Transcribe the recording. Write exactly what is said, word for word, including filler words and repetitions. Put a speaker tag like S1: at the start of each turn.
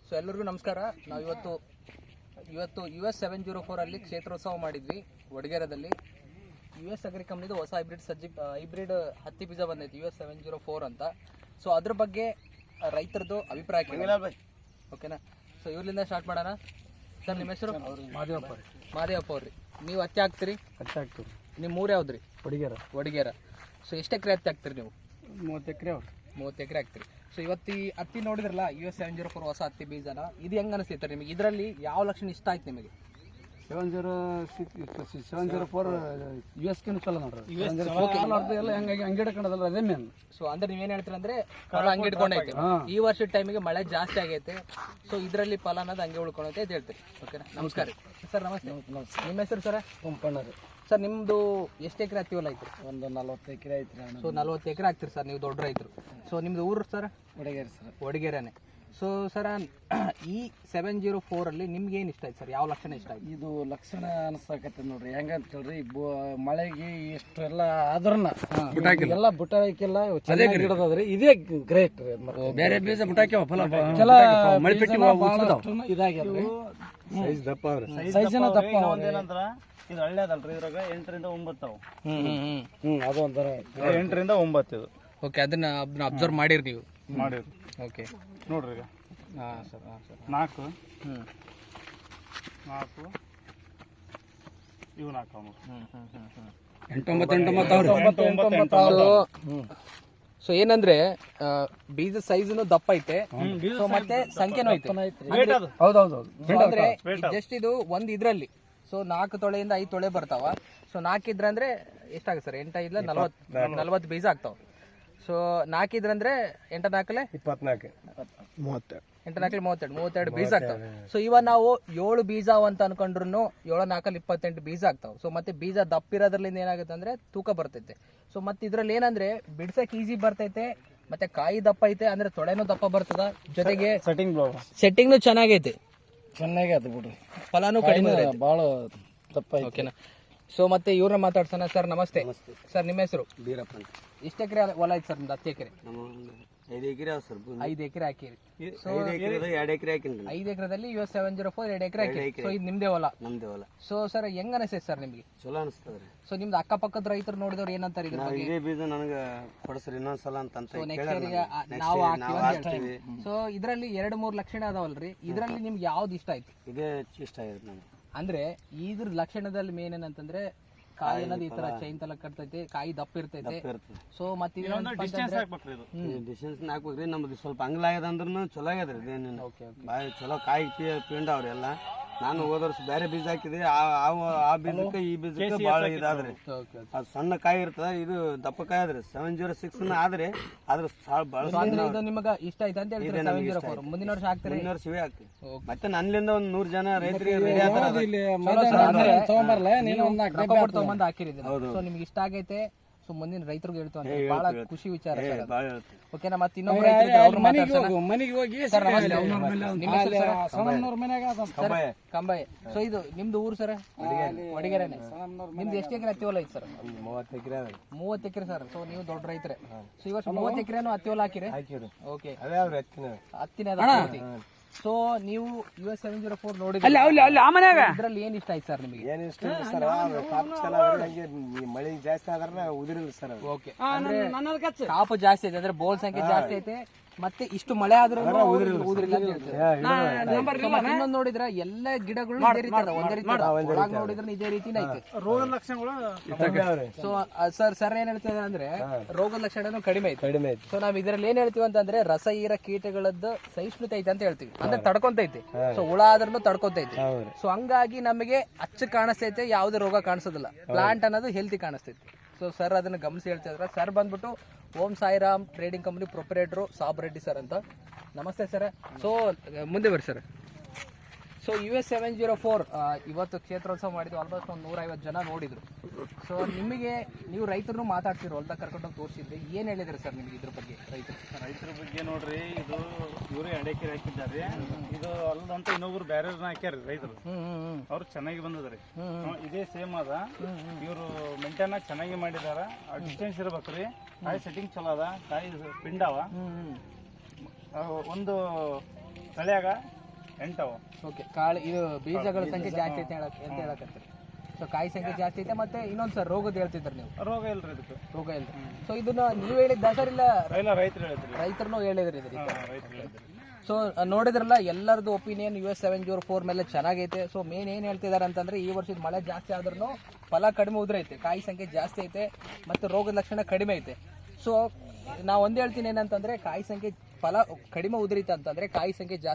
S1: So ಎಲ್ಲರಿಗೂ ನಮಸ್ಕಾರ. ನಾವು ಇವತ್ತು ಇವತ್ತು ಯು ಎಸ್ ಸೆವೆನ್ ಜೀರೋ ಫೋರಲ್ಲಿ ಕ್ಷೇತ್ರೋತ್ಸವ ಮಾಡಿದ್ವಿ ವಡಗೇರದಲ್ಲಿ. ಯು ಎಸ್ ಅಗ್ರಿ ಕಂಪ್ನಿದು ಹೊಸ ಹೈಬ್ರಿಡ್ ಸಜ್ಜಿ ಹೈಬ್ರಿಡ್ ಹತ್ತಿ ಬೀಜ ಬಂದೈತಿ U S seven zero four ಅಂತ. ಸೊ ಅದ್ರ ಬಗ್ಗೆ ರೈತರದ್ದು ಅಭಿಪ್ರಾಯ ಕೇಳಿ, ಓಕೆನಾ? ಸೊ ಇವ್ರಲಿಂದ ಸ್ಟಾರ್ಟ್ ಮಾಡೋಣ. ಸರ್ ನಿಮ್ಮ ಹೆಸರು?
S2: ಮಾದೇವಪ್ಪ ರೀ.
S1: ಮಾದೇವಪ್ಪ ಅವ್ರಿ. ನೀವು ಹತ್ತಿ ಹಾಕ್ತೀರಿ?
S2: ಹತ್ತಿ ಹಾಕ್ತೀವಿ.
S1: ನಿಮ್ಮ ಊರು ಯಾವ್ದು ರೀ?
S2: ವಡಗೇರ.
S1: ವಡಗೇರ. ಸೊ ಎಷ್ಟು ಎಕರೆ ಹತ್ತಿ ಹಾಕ್ತೀರಿ ನೀವು?
S2: ಮೂವತ್ತು ಎಕರೆ ಅವ್ರಿ.
S1: ಮೂವತ್ತು ಎಕರೆ ಹಾಕ್ತೀರಿ. ಸೊ ಇವತ್ತು ಈ ಹತ್ತಿ ನೋಡಿದ್ರಲ್ಲ U S seven zero four ಹೊಸ ಹತ್ತಿ ಬೀಜನ, ಇದು ಹೆಂಗೆ ಅನಿಸ್ತೈತೆ ನಿಮಗೆ? ಇದರಲ್ಲಿ ಯಾವ ಲಕ್ಷಣ ಇಷ್ಟ ಆಯ್ತು ನಿಮಗೆ?
S2: Seven zero six seven zero four U ಎಸ್ಕಿನೂ ಚಲೋ ನೋಡ್ರಿ. ಎಲ್ಲ ಹೆಂಗಾಗಿ ಅಂಗಡಿ ಹಿಡ್ಕೊಂಡದಲ್ಲ ಅದೇ ಮೇನ್.
S1: ಸೊ ಅಂದ್ರೆ ನೀವೇನು ಹೇಳ್ತೀರ ಅಂದ್ರೆ ಫಲ ಹಂಗೆ ಇಟ್ಕೊಂಡೈತೆ. ಈ ವರ್ಷದ ಟೈಮಿಗೆ ಮಳೆ ಜಾಸ್ತಿ ಆಗೈತೆ. ಸೊ ಇದರಲ್ಲಿ ಫಲ ಅನ್ನೋದು ಹಂಗೆ ಉಳ್ಕೊಂಡೈತೆ ಅಂತ ಹೇಳ್ತೀರಿ, ಓಕೆನಾ? ನಮಸ್ಕಾರ ಸರ್. ನಮಸ್ತೆ. ನಿಮ್ಮ ಹೆಸರು ಸರ್?
S2: ಪಂಪಣ್ಣ ರೀ.
S1: ಸರ್ ನಿಮ್ಮದು ಎಷ್ಟು ಎಕರೆ ಹತ್ತಿ ಹೊಲ ಐತ್ರಿ?
S2: ಒಂದು ನಲ್ವತ್ತು ಎಕರೆ ಐತ್ರಿ.
S1: ಸೊ ನಲ್ವತ್ತು ಎಕರೆ ಆಗ್ತೀರಿ ಸರ್, ನೀವು ದೊಡ್ಡ ರೈತರು. ಸೊ ನಿಮ್ದು ಊರು ಸರ್?
S2: ವಡಗೇರಿ ಸರ್.
S1: ವಡಗೇರನೇ. ಸೊ ಸರ್ ಈ ಸೆವೆನ್ ಜೀರೋ ಫೋರ್ ಅಲ್ಲಿ ನಿಮ್ಗೆ ಏನು ಇಷ್ಟ ಆಯ್ತು ಸರ್? ಯಾವ ಲಕ್ಷಣ ಇಷ್ಟ ಆಯ್ತು?
S2: ಇದು ಲಕ್ಷಣ ಅನಿಸ್ತಕತ್ತೆ ನೋಡ್ರಿ. ಹೆಂಗಂತ ಹೇಳ್ರಿ, ಮಳೆಗೆ ಎಷ್ಟು ಎಲ್ಲ ಆದ್ರನ್ನ ಎಲ್ಲ ಬುಟ್ಟ ಹಾಕಿಲ್ಲ, ಚೆನ್ನಾಗಿ ಗಿಡದದ್ರಿ. ಇದೇ ಗ್ರೇಟ್ ರೀ. ಬೇರೆ ಬೀಜ ಬುಟ್ಟ ಹಾಕ್ಯಾವ, ಫಲ ಇದಾಗ್ಯಾವ್ರಿ. ಸೈಜ್ ದಪ್ಪ ಅವ್ರಿ. ಸೈಜಿನ ದಪ್ಪ.
S3: ಏನಂದ್ರ ಇದು ಹಳ್ಳಿದಲ್ರಿ, ಇದ್ರಾಗ ಎಂಟರಿಂದ ಒಂಬತ್ತು ಅವು.
S2: ಹ್ಮ್ ಅದು ಒಂಥರ
S3: ಎಂಟರಿಂದ ಒಂಬತ್ತು ಇದು.
S1: ಓಕೆ, ಅದನ್ನ ಅಬ್ಸರ್ವ್ ಮಾಡಿರಿ ನೀವು?
S3: ಮಾಡಿರಿ.
S1: ಓಕೆ
S3: ನೋಡ್ರಿ ಈಗ.
S1: ಹಾಂ ಸರ್. ಹಾಂ ಸರ್.
S3: ನಾಲ್ಕು
S1: ಹ್ಞೂ
S3: ನಾಲ್ಕು ಇವು ನಾಲ್ಕು
S1: ಹ್ಞೂ ಹ್ಞೂ ಹ್ಞೂ ಹ್ಞೂ
S2: ಎಂಟೊಂಬತ್ತು ಎಂಟೊಂಬತ್ತು.
S1: ಸೊ ಏನಂದ್ರೆ ಬೀಜ ಸೈಜ್ನು ದಪ್ಪ ಐತೆ, ಸೊ ಮತ್ತೆ ಸಂಖ್ಯೆನೂ ಐತೆ.
S2: ಹೌದೌದು.
S1: ಅಂದ್ರೆ ಜಸ್ಟ್ ಇದು ಒಂದ್ ಇದ್ರಲ್ಲಿ ಸೊ ನಾಲ್ಕು ತೊಳೆಯಿಂದ ಐದು ತೊಳೆ ಬರ್ತಾವ. ಸೊ ನಾಲ್ಕಿದ್ರಂದ್ರೆ ಎಷ್ಟಾಗ ಸರ್? ಎಂಟ ಐದ್ಲ ನಲ್ವತ್ ನಲ್ವತ್ತು ಬೀಜ ಆಗ್ತಾವ. ಸೊ ನಾಲ್ಕಿದ್ರಂದ್ರೆ ಎಂಟ ನಾಲ್ಕಲೆ
S2: ಇಪ್ಪತ್ನಾಲ್ಕು ಮೂವತ್ತೆರಡು
S1: ಎಂಟ ನಾಲ್ಕಲೆ ಮೂವತ್ತೆರಡು ಮೂವತ್ತೆರಡು ಬೀಜ ಆಗ್ತಾವ. ಸೊ ಇವಾಗ ನಾವು ಏಳು ಬೀಜ ಅಂತ ಅನ್ಕೊಂಡ್ರು ಏಳು ನಾಲ್ಕಲ್ಲಿ ಇಪ್ಪತ್ತೆಂಟು ಬೀಜ ಆಗ್ತಾವ. ಸೊ ಮತ್ತೆ ಬೀಜ ದಪ್ಪ ಇರೋದ್ರಲ್ಲಿಂದ ಏನಾಗುತ್ತೆ ಅಂದ್ರೆ ತೂಕ ಬರ್ತೈತೆ. ಸೊ ಮತ್ತೆ ಇದ್ರಲ್ಲಿ ಏನಂದ್ರೆ ಬಿಡ್ಸಕ್ ಈಸಿ ಬರ್ತೈತೆ, ಮತ್ತೆ ಕಾಯಿ ದಪ್ಪ ಐತೆ, ಅಂದ್ರೆ ತೊಳೆನೂ ದಪ್ಪ ಬರ್ತದ, ಜೊತೆಗೆ
S3: ಸೆಟ್ಟಿಂಗ್
S1: ಸೆಟ್ಟಿಂಗ್ನು ಚೆನ್ನಾಗೈತೆ.
S2: ಚೆನ್ನಾಗಿ ಆಯ್ತು ಬಿಡ್ರಿ.
S1: ಫಲಾನು ಕಡಿಮೆ
S2: ಭಾಳ ದಪ್ಪ.
S1: ಓಕೆನಾ? ಸೊ ಮತ್ತೆ ಇವ್ರನ್ನ ಮಾತಾಡ್ಸೋಣ. ಸರ್ ನಮಸ್ತೆ. ಸರ್ ನಿಮ್ಮ ಹೆಸರು?
S2: ಬೀರಪ್ಪ ಅಂತ.
S1: ಎಷ್ಟು ಎಕರೆ ಹೊಲ ಐತೆ ಸರ್? ನಿಮ್ದು ಹತ್ತು ಎಕರೆ?
S2: ಐದು ಎಕರೆ ಅವ ಸರ್.
S1: ಐದು ಎಕರೆ ಹಾಕಿರಿ. ಸೊ
S2: ಎರಡು ಎಕರೆ ಹಾಕಿನಿ.
S1: ಐದು ಎಕರೆದಲ್ಲಿ U S seven zero four ಎರಡು ಎಕರೆ ಹಾಕಿರಿ. ಸೊ ಇದು ನಿಮ್ದೇ ಹೊಲ?
S2: ನಮ್ದೇ ಹೊಲ.
S1: ಸೊ ಸರ್ ಹೆಂಗ ಅನಿಸ್ತೈತೆ ಸರ್ ನಿಮ್ಗೆ?
S2: ಚಲೋ ಅನಿಸ್ತದ್ರಿ.
S1: ಸೊ ನಿಮ್ದು ಅಕ್ಕಪಕ್ಕದ ರೈತರು ನೋಡಿದವ್ರು ಏನಂತಾರೆ ಇದ್ರ ಬಗ್ಗೆ?
S2: ಇದೇ ಬೀಜ ನನಗೆ ಕೊಡಿಸ್ರಿ ಇನ್ನೊಂದ್ಸಲ ಅಂತ ಅಂತ
S1: ನಾವು ಹಾಕ್ತೀವಿ. ಸೊ ಇದ್ರಲ್ಲಿ ಎರಡು ಮೂರು ಲಕ್ಷಣ ಅದಾವಲ್ರಿ, ಇದ್ರಲ್ಲಿ ನಿಮ್ಗೆ ಯಾವ್ದು ಇಷ್ಟ ಆಯ್ತು?
S2: ಇದೇ ಇಷ್ಟ ಆಯ್ತು ನನಗೆ.
S1: ಅಂದ್ರೆ ಇದ್ರ ಲಕ್ಷಣದಲ್ಲಿ ಮೇನ್ ಏನಂತಂದ್ರೆ ಕಾಯಿ ಅನ್ನೋದು ಈ ತರ ಚೈನ್ ತಲ ಕಟ್ತೈತೆ, ಕಾಯಿ ದಪ್ಪ ಇರ್ತೈತೆ. ಸೊ ಮತ್ತೆ
S3: ಡಿಸ್ಟೆನ್ಸ್ ಹಾಕ್ಬೇಕ್ರಿ. ಇದು
S2: ಡಿಸ್ಟೆನ್ಸ್ ಹಾಕ್ಬೇಕ್ರಿ. ನಮ್ದು ಸ್ವಲ್ಪ ಅಂಗ್ಲ ಆಗ್ಯದ ಅಂದ್ರೂ ಚಲೋ ಆಗ್ಯದ್ರಿ. ಇದೇನು ಬಾಯಿ ಚಲೋ ಕಾಯಿ ಪಿಂಡ ಅವ್ರಿ ಎಲ್ಲ. ನಾನು ಹೋದ ವರ್ಷ ಬೇರೆ ಬೀಜ ಹಾಕಿದ್ರಿ, ಆ ಬೀಜಕ್ಕೆ ಈ ಬೀಜಕ್ಕೆ ಭಾಳ ಇದಾದ್ರಿ. ಅದು ಸಣ್ಣ ಕಾಯಿ ಇರ್ತದ, ಇದು ದಪ್ಪ ಕಾಯಿ ಆದ್ರಿ. ಸೆವೆನ್ ಜೀರೋ ಸಿಕ್ಸ್ ಆದ್ರಿ, ಅದ್ರ
S1: ಇದು ನಿಮಗೆ ಇಷ್ಟ ಆಯ್ತು ಅಂತ ಹೇಳ್ತೀರಿ? ಸೆವೆನ್ ಜೀರೋ ಫೋರ್ ಮುಂದಿನ ವರ್ಷ ಹಾಕ್ತೀರಿ?
S2: ಮುಂದಿನ ವರ್ಷ ಇವೇ ಹಾಕ್ತಿವಿ. ಮತ್ತೆ ನನ್ನಿಂದ ಒಂದ್ ನೂರ್ ಜನ ರೈತರಿಗೆ ರೆಡಿ
S1: ತಗೊಂಬಂದು ಹಾಕಿರಿದ್ರಿ. ಸೊ ನಿಮ್ಗೆ ಇಷ್ಟ ಆಗೈತೆ. ಸೊ ಮುಂದಿನ ರೈತರಿಗೆ ಹೇಳ್ತು ಅಂತ ಬಹಳ ಖುಷಿ ವಿಚಾರ. ಓಕೆನಾ? ಮತ್ತೆ ಇನ್ನೊಬ್ರು
S2: ಮನೆಗೆ ಹೋಗಿ
S1: ಕಂಬಾಯಿ. ಸೊ ಇದು ನಿಮ್ದು ಊರು ಸರ್? ವಡಗೇರನೆ. ನಿಮ್ದು ಎಷ್ಟು ಎಕರೆ ಹತ್ತಿ ಹೊಲ ಐತಿ ಸರ್?
S2: ಮೂವತ್ತು ಎಕರೆ.
S1: ಮೂವತ್ತು ಎಕರೆ ಸರ್. ಸೊ ನೀವು ದೊಡ್ಡ ರೈತರೆ. ಸೊ ಇವತ್ತು ಮೂವತ್ತು ಎಕರೆನು ಹತ್ತಿ ಹೊಲ ಹಾಕಿರಿ? ಓಕೆ, ಹತ್ತಿನ. ಸೊ ನೀವು U S seven zero four ನೋಡಿದ್ರಿ, ಇದ್ರಲ್ಲಿ ಏನ್ ಇಷ್ಟ ಆಯ್ತು ಸರ್ ನಿಮಗೆ?
S2: ಏನ್ ಇಷ್ಟ ಸರ್? ಮಳೆ ಜಾಸ್ತಿ ಆದ್ರೆ ಉದಿರಿಲ್ಲ ಸರ್.
S1: ಓಕೆ, ಅಂದ್ರೆ ಕಾಪು ಜಾಸ್ತಿ ಐತೆ, ಅಂದ್ರೆ ಬೋಲ್ ಸಂಖ್ಯೆ ಜಾಸ್ತಿ ಐತೆ, ಮತ್ತೆ ಇಷ್ಟು ಮಳೆ ಆದ್ರೂ ಉದುರಿಲ್ಲ ಅಂತ ಹೇಳ್ತಾರೆ. ಇನ್ನೊಂದು ನೋಡಿದ್ರೆ ಎಲ್ಲ ಗಿಡಗಳು ಇದೇ ರೀತಿ ಅದ, ಒಂದೇ ರೀತಿ ನೋಡಿದ್ರೆ ಇದೇ ರೀತಿನೇ ಐತೆ.
S3: ರೋಗದ ಲಕ್ಷಣಗಳು.
S1: ಸೊ ಸರ್ ಸರ್ ಏನ್ ಹೇಳ್ತಿದ್ದಾರೆ ಅಂದ್ರೆ ರೋಗದ ಲಕ್ಷಣ ಕಡಿಮೆ ಐತೆ. ಕಡಿಮೆ ಐತೆ. ಸೊ ನಾವ್ ಇದ್ರಲ್ಲಿ ಏನ್ ಹೇಳ್ತೀವಿ ಅಂತಂದ್ರೆ ರಸ ಹೀರ ಕೀಟಗಳದ್ದು ಸಹಿಷ್ಣುತೆ ಐತೆ ಅಂತ ಹೇಳ್ತೀವಿ. ಅಂದ್ರೆ ತಡ್ಕೊಂತೈತಿ. ಸೊ ಹುಳ ಆದ್ರೂ ತಡ್ಕೊಂತೈತಿ. ಸೊ ಹಂಗಾಗಿ ನಮಗೆ ಅಚ್ಚು ಕಾಣಿಸ್ತೈತೆ, ಯಾವುದೇ ರೋಗ ಕಾಣಿಸೋದಿಲ್ಲ. ಪ್ಲಾಂಟ್ ಅನ್ನೋದು ಹೆಲ್ತಿ ಕಾಣಿಸ್ತೈತಿ. ಸೊ ಸರ್ ಅದನ್ನ ಗಮನಿಸಿ ಹೇಳ್ತಾ ಇದ್ರೆ, ಸರ್ ಬಂದ್ಬಿಟ್ಟು Om Sairam trading company proprietor Sab Reddy sir ಅಂತ. ನಮಸ್ತೆ ಸರ್. ಸೊ ಮುಂದೆ ಬರ್ರಿ sir. So U S seven zero four ಇವತ್ತು ಕ್ಷೇತ್ರೋತ್ಸವ ಮಾಡಿದ್ವಿ. ಆಲ್ಮೋಸ್ಟ್ ಒಂದು ನೂರ ಐವತ್ತು ಜನ ನೋಡಿದ್ರು. ಸೊ ನಿಮಗೆ ನೀವು ರೈತರನ್ನು ಮಾತಾಡ್ತಿರೋ ಹೊಲ್ದಾಗ ಕರ್ಕೊಂಡೋಗಿ ತೋರಿಸಿದ್ರಿ, ಏನು ಹೇಳಿದ್ರಿ ಸರ್ ನಿಮ್ಗೆ ಇದ್ರ ಬಗ್ಗೆ? ರೈತರು
S3: ರೈತರ ಬಗ್ಗೆ ನೋಡ್ರಿ, ಇದು ಇವರು ಎಡೆಕೆರೆ ಹಾಕಿದ್ದಾರೆ. ಇದು ಅಲ್ಲದಂತ ಇನ್ನೊಬ್ರು ಬೇರೆ ಹಾಕ್ಯಾರ ರೈತರು, ಅವ್ರು ಚೆನ್ನಾಗಿ ಬಂದದ್ರಿ. ಇದೇ ಸೇಮ್ ಅದ. ಇವರು ಮೇಂಟೈನ್ ಚೆನ್ನಾಗಿ ಮಾಡಿದಾರ. ಡಿಸ್ಟೆನ್ಸ್ ಇರ್ಬೇಕ್ರಿ. ಕಾಯಿ ಸೆಟ್ಟಿಂಗ್ ಚಲೋ ಅದ, ಕಾಯಿ ಪಿಂಡವ. ಒಂದು ತಳಿಯಾಗ ಎಂಟವ
S1: ಓಕೆ ಕಾಳು ಇದು ಬೀಜಗಳ ಸಂಖ್ಯೆ ಜಾಸ್ತಿ ಐತೆ ಹೇಳಕ್ ಅಂತ ಹೇಳಕತ್ತೀರಿ. ಸೊ ಕಾಯಿ ಸಂಖ್ಯೆ ಜಾಸ್ತಿ ಐತೆ ಮತ್ತೆ ಇನ್ನೊಂದು ಸರ್ ರೋಗದ ಹೇಳ್ತಿದ್ರು ನೀವು,
S3: ರೋಗ ಇಲ್ರಿ ಇದಕ್ಕೆ.
S1: ರೋಗ ಇಲ್ಲ. ಸೊ ಇದನ್ನ ನೀವು ಹೇಳಿದ್ದ ಸರ್ ಇಲ್ಲ
S3: ಇಲ್ಲ ರೈತರು ಹೇಳಿದ್ರಿ.
S1: ರೈತರನ್ನು ಹೇಳಿದ್ರಿ ಇದಕ್ಕೆ.
S3: ರೈತರು ಹೇಳಿದ್ರಿ.
S1: ಸೊ ನೋಡಿದ್ರಲ್ಲ ಎಲ್ಲರದು opinion U S seven zero four ಮೇಲೆ ಚೆನ್ನಾಗೈತೆ. ಸೊ ಮೇನ್ ಏನು ಹೇಳ್ತಿದ್ದಾರೆ ಅಂತಂದ್ರೆ ಈ ವರ್ಷದ ಮಳೆ ಜಾಸ್ತಿ ಆದ್ರೂ ಫಲ ಕಡಿಮೆ ಉದ್ರೈತೆ, ಕಾಯಿ ಸಂಖ್ಯೆ ಜಾಸ್ತಿ ಐತೆ ಮತ್ತು ರೋಗದ ಲಕ್ಷಣ ಕಡಿಮೆ ಐತೆ. ಸೊ ನಾವು ಒಂದೇ ಹೇಳ್ತೀನಿ ಏನಂತಂದ್ರೆ ಕಾಯಿ ಸಂಖ್ಯೆ ಫಲ ಕಡಿಮೆ ಉದುರಿತ ಅಂತಂದ್ರೆ ಕಾಯಿ ಸಂಖ್ಯೆ ಜಾಸ್ತಿ